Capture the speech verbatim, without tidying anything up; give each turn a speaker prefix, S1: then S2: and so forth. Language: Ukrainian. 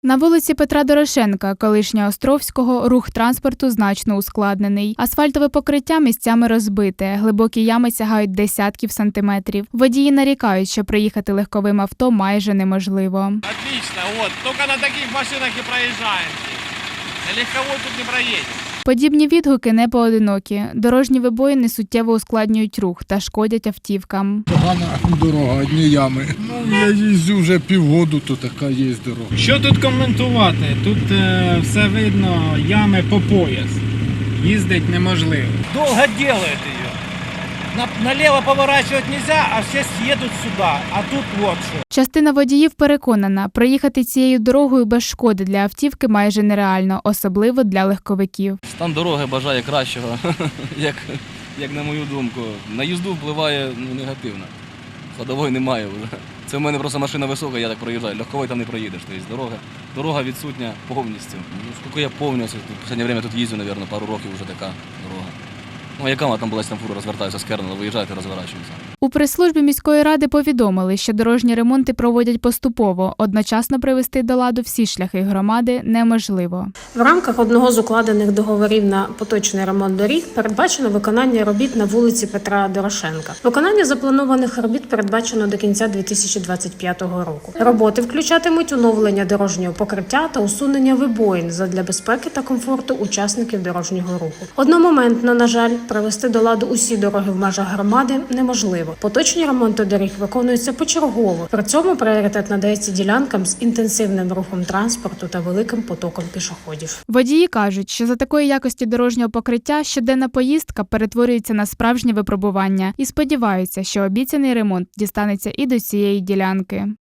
S1: На вулиці Петра Дорошенка, колишнього Островського, рух транспорту значно ускладнений. Асфальтове покриття місцями розбите, глибокі ями сягають десятків сантиметрів. Водії нарікають, що проїхати легковим авто майже неможливо.
S2: Отлично, от, тільки на таких машинах і проїжджаємо. На легковой тут не проїдемо.
S1: Подібні відгуки не поодинокі. Дорожні вибоїни суттєво ускладнюють рух та шкодять автівкам.
S3: Погана дорога, одні ями. Ну, я їздю вже півгоду, то така є дорога.
S4: Що тут коментувати? Тут е, все видно, ями по пояс. Їздить неможливо.
S2: Долго делают ее. На, налево поворачивать нельзя, а все съедут сюда. А тут вот что.
S1: Частина водіїв переконана, проїхати цією дорогою без шкоди для автівки майже нереально, особливо для легковиків.
S5: Стан дороги бажає кращого, як, як на мою думку. На їзду впливає ну, негативно. Ходової немає вже. Це в мене просто машина висока, я так проїжджаю. Легковий там не проїдеш. Тобто дорога, дорога відсутня повністю. Ну, скільки я пам'ятаю, в останнє час тут їздю, мабуть, пару років вже така дорога. Ну, яка вона там була, там фура розвертаються з Кернела, виїжджають і розворачуються.
S1: У прес-службі міської ради повідомили, що дорожні ремонти проводять поступово. Одночасно привести до ладу всі шляхи громади неможливо.
S6: В рамках одного з укладених договорів на поточний ремонт доріг передбачено виконання робіт на вулиці Петра Дорошенка. Виконання запланованих робіт передбачено до кінця дві тисячі двадцять п'ятого року. Роботи включатимуть оновлення дорожнього покриття та усунення вибоїн задля безпеки та комфорту учасників дорожнього руху. Одномоментно, на жаль, привести до ладу усі дороги в межах громади неможливо. Поточні ремонти доріг виконуються почергово. При цьому пріоритет надається ділянкам з інтенсивним рухом транспорту та великим потоком пішоходів.
S1: Водії кажуть, що за такої якості дорожнього покриття щоденна поїздка перетворюється на справжнє випробування і сподіваються, що обіцяний ремонт дістанеться і до цієї ділянки.